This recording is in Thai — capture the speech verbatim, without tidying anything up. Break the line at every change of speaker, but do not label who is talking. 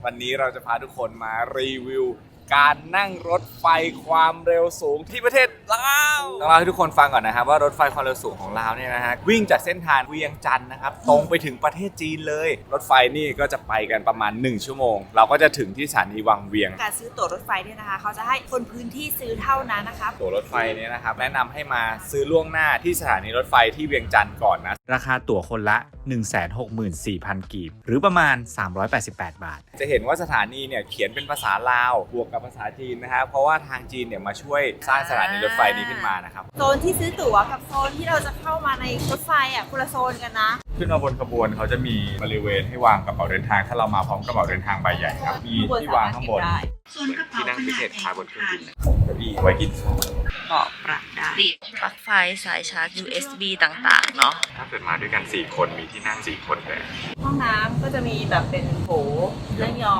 วันนี้เราจะพาทุกคนมารีวิวการนั่งรถไฟความเร็วสูงที่ประเทศลาวต้องเล่าให้ทุกคนฟังก่อนนะครับว่ารถไฟความเร็วสูงของลาวเนี่ยนะฮะวิ่งจากเส้นทางเวียงจันทร์นะครับตรงไปถึงประเทศจีนเลยรถไฟนี่ก็จะไปกันประมาณหนึ่งชั่วโมงเราก็จะถึงที่สถานีวังเวียง
การซื้อตั๋วรถไฟเนี่ยนะคะเขาจะให้คนพื้นที่ซื้อเท่านั้นนะคะ
ตั๋วรถไฟเนี่ยนะครับแนะนำให้มาซื้อล่วงหน้าที่สถานีรถไฟที่เวียงจันทร์ก่อนนะราคาตั๋วคนละ หนึ่งแสนหกหมื่นสี่พัน กีบหรือประมาณสามร้อยแปดสิบแปดบาทจะเห็นว่าสถานีเนี่ยเขียนเป็นภาษาลาวบวกกับภาษาจีนนะครับเพราะว่าทางจีนเนี่ยมาช่วยสร้างสถานีรถไฟนี้ขึ้นมานะครับ
โซนที่ซื้อตั๋วกับโซนที่เราจะเข้ามาในรถไฟอ่ะคนละโซนกันนะ
ขึ้นมาบนขบวนเขาจะมีบริเวณให้วางกระเป๋าเดินทางถ้าเรามาพร้อมกระเป๋าเดินทางใบใหญ่ครับมีที่วางข้างบนที่นั่งพิเศษคล้ายบนเครื่องบินเก้าอี้ไว้กิน
เบาะปรับได้ปลั๊กไฟสายชาร์จ ยู เอส บี ต่างๆเนาะ
ถ้าเกิดมาด้วยกันสี่คนมีที่นั่งสี่คนเลย
ห้องน้ำก็จะมีแบบเป็นโถนั่งยอง